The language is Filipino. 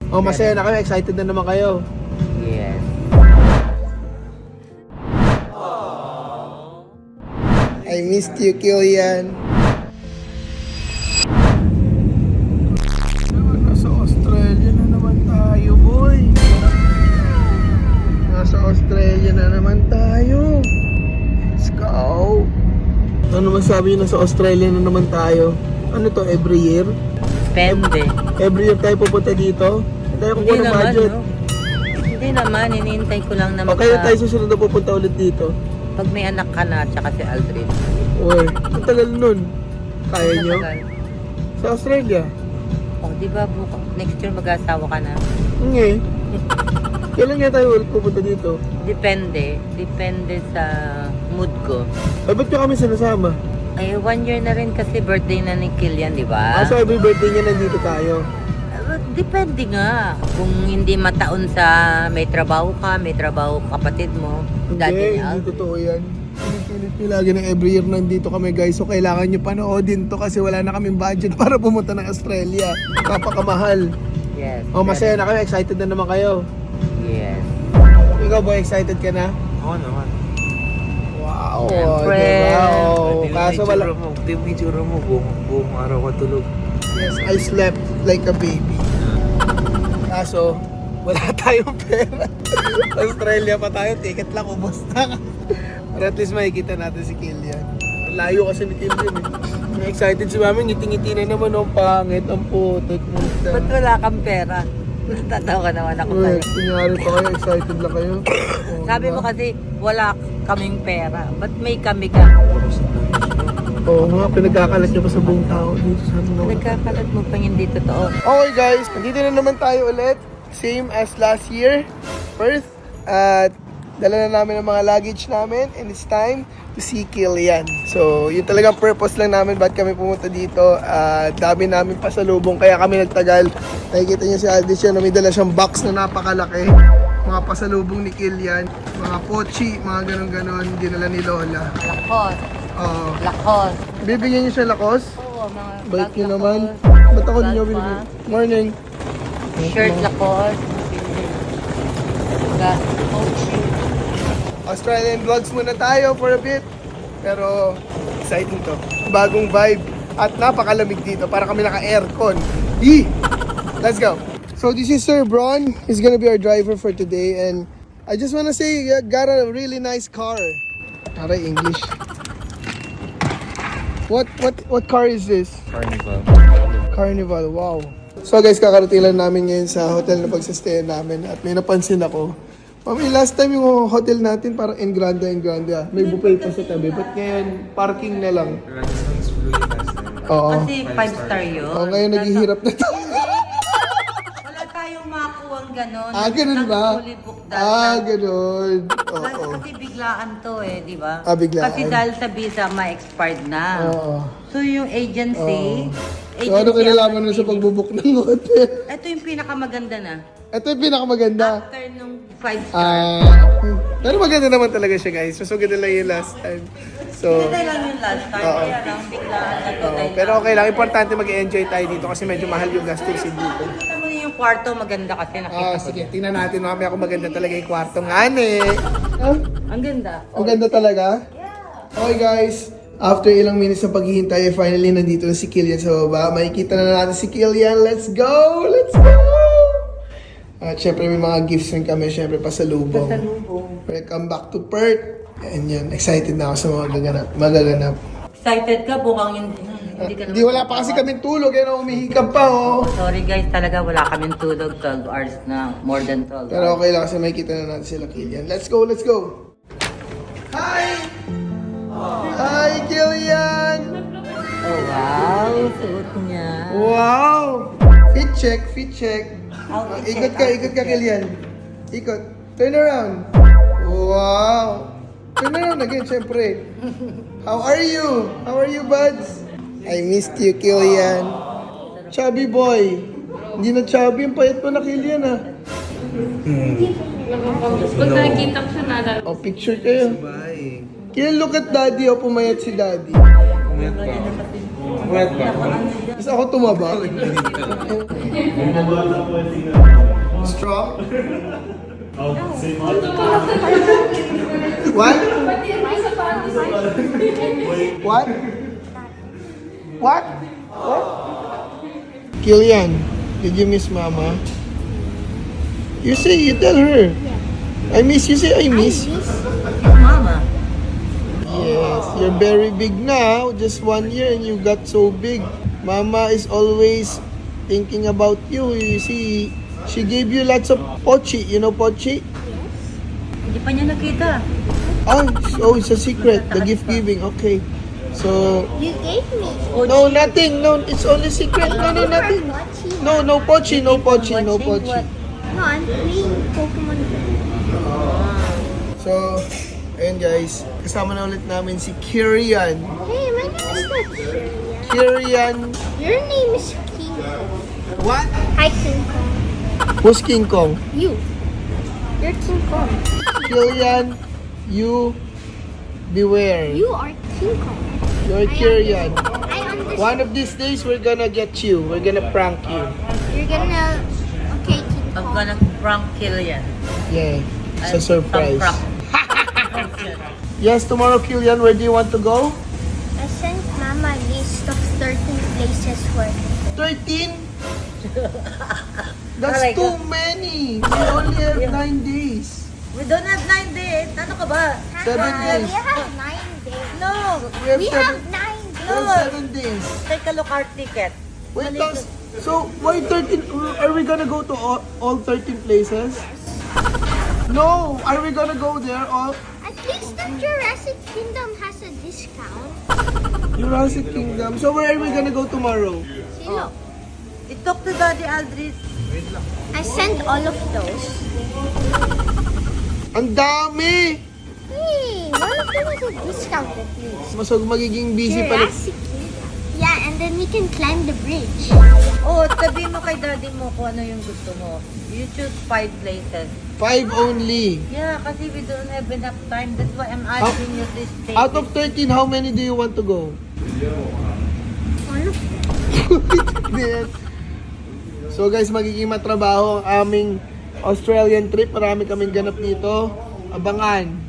Oh, masaya na kayo. Excited na naman kayo. Yes. I missed you, Killian. Nasa Australia na naman tayo, boy. Nasa Australia na naman tayo. Let's go. Ano masabi nyo, nasa Australia na naman tayo? Ano to, every year? Depende. Every year tayo pupunta dito? Hindi tayo kukuha Hindi ng naman, budget. no? Hindi naman, hinihintay ko lang na O kaya tayo susunod na pupunta ulit dito? Pag may anak ka na, tsaka si Aldrin. Uy, ang tagal nun. Kaya nyo? Matagal. Sa Australia? Oh, di ba next year mag-asawa ka na? Hindi. Kailan nga tayo ulit pupunta dito? Depende. Depende sa mood ko. Ay, ba't nyo kami sinasama? Ay, 1 year na rin kasi birthday na ni Killian, di ba? So every birthday niya nandito tayo. Depende nga. Kung hindi mataon sa may trabaho ka, may trabaho kapatid mo, daddy Hindi, niya. hindi totoo yan. Pilit nyo lagi na every year nandito kami guys. So kailangan nyo panoodin to kasi wala na kaming budget para pumunta ng Australia. Kapakamahal. Yes. Oh, masaya na kayo. Excited na naman kayo. Yes. Ikaw boy, excited ka na? Oo naman. Wow. Siyempre. Diba? Oh, kaso wala. Di mo itsura mo, buong araw ka tulog. Yes, I slept like a baby. Kaso, wala tayong pera. Australia pa tayo, ticket lang, ubos na. Pero at least makikita natin si Killian. Layo kasi ni Killian eh. Excited si mami, ngiti-ngiti na naman, ang pangit, ang putik. Ba't wala kang pera? Natatawa naman ako Uy, sa'yo. kunyari pa kayo, excited lang kayo. Oh, Sabi diba? mo kasi, wala kaming pera. Ba't may kami ka? Oo nga, pinagkakalat niyo pa sa buong tao dito sa ano. Nagkakalat mo pa hindi totoo. Okay guys, nandito na naman tayo ulit. Same as last year, Perth. At dala na namin ang mga luggage namin and it's time to see Killian. So, yun talagang purpose lang namin ba't kami pumunta dito. Dami namin pasalubong kaya kami nagtagal. Nakikita niyo si Aldis yun, may dala siyang box na napakalaki. Mga pasalubong ni Killian, mga pochi, mga ganon-ganon, dinala ni Lola. Lakos. Oo. Lakos. Bibigyan niyo siya lakos? Oo, mga Bait bag niyo lakos. naman. Ba't ako Bag niyo pa. binibigyan? Morning. Shirt lakos. Coach. Australian vlogs muna tayo for a bit. Pero exciting to. Bagong vibe. At napakalamig dito. Para kami naka-aircon. Yee! Let's go. So this is Sir Bron. He's gonna be our driver for today. And I just wanna say, you got a really nice car. Aray, English. What car is this? Carnival. Carnival, wow. So guys, kakarating lang namin ngayon sa hotel na pagsastayan namin. At may napansin ako. Mami, last time yung hotel natin parang Engranda. May buffet pa sa tabi. Ba't ngayon, parking na lang? Renaissance Blue last time. Oo. Kasi 5-star yun. Oh, ngayon naghihirap na tayo. Wala tayong makuha ang gano'n. Ganun ba? Fully booked dahil Ganun. Oo. Kasi biglaan to di ba? Biglaan. Kasi dahil sa visa, ma-expired na. Oo. So yung agency, So ano kinalaman nun sa pagbubuk ng hotel? Ito yung pinakamaganda na. Ito yung pinakamaganda. After nung 5-star. Pero maganda naman talaga siya guys. Masuganda lang yung last time. So, Hindi lang yung last time, kaya lang biglaan na to. dahil pero okay lang. Importante mag-enjoy tayo dito kasi medyo mahal yung gastusin dito. Nakita mo yung kwarto, maganda kasi nakita ko. Sige, tingnan natin mamaya kung maganda talaga yung kwarto. Ngani! Ang ganda. Ang ganda talaga? Okay guys, after ilang minutes ng paghihintay, finally nandito na si Killian sa baba. Makikita na natin si Killian. Let's go! Let's go! At syempre may mga gifts rin kami. Syempre pasalubong. Welcome back to Perth. And yan, excited na ako sa mga magaganap. Excited ka, bukang hindi ka Di wala pa kasi kaming tulog. Yan, umihikap pa oh. Sorry guys, talaga wala kaming tulog. 12 hours na, more than 12 Pero okay lang kasi makikita na natin sila Killian. Let's go, let's go! Hi! Hi, Killian! Oh wow, suot niya. Wow! Fit check, fit check. Ikot ka, Killian. Ikot. Turn around. Wow! Turn around again, syempre. How are you? How are you, buds? I missed you, Killian. Chubby boy. Hindi na chubby, ang payat pa na Killian, ah. Pag nakikita ko siya nalala. Oh, picture kayo. Bye. Killian, look at daddy, oh, pumayat si daddy. Umayat pa ako. Wet ba? Mas ako tumaba. Strong? What? What? What? What? Killian, did you miss Mama? You say, you tell her. I miss, you say I miss. Mama. Yes, you're very big now. Just 1 year and you got so big. Mama is always thinking about you. You see, she gave you lots of pochi. You know pochi? Hindi pa niya nakita. Oh, it's a secret. The gift giving. Okay. So, You gave me. no, nothing. No, it's only secret. No, nothing. No, no pochi. No pochi. No pochi. No, I'm playing Pokemon Go. So, ayun guys. Kasama na ulit namin si Kirian. Hey, my name is not Shirley. Kirian. Your name is King Kong. What? Hi, King Kong. Who's King Kong? You. You're King Kong. Kirian, you beware. You are King Kong. You're Kirian. I understand. One of these days, we're gonna get you. We're gonna prank you. You're gonna. Okay, King I'm Kong. gonna prank Killian. Yeah, it's a I'm surprise. some prank. Yes, tomorrow, Kilian, where do you want to go? I sent Mama a list of 13 places where. 13? That's Alright, too many. We only have 9 days. We don't have 9 days. Ano ka ba? 7 We days. have 9 days. No. We have We 7, have 9 days. we have 7 days. Take a look our ticket. Wait, so why 13? Are we gonna go to all 13 places? No, are we gonna go there all? At least the Jurassic Kingdom has a discount. Jurassic Kingdom. So where are we gonna go tomorrow? Silo. I-talk to Daddy Aldris. I sent all of those. Ang dami! Hey, one of them has a discount at least. Mas magiging busy pa. Jurassic Kingdom. Yeah, and then we can climb the bridge. Oh, sabihin mo kay Daddy mo kung ano yung gusto mo. You choose 5 places. 5 only. Yeah, kasi we don't have enough time. That's why I'm asking you this thing. Out of 13, how many do you want to go? All of them. So guys, magiging matrabaho ang aming Australian trip. Marami kaming ganap dito. Abangan.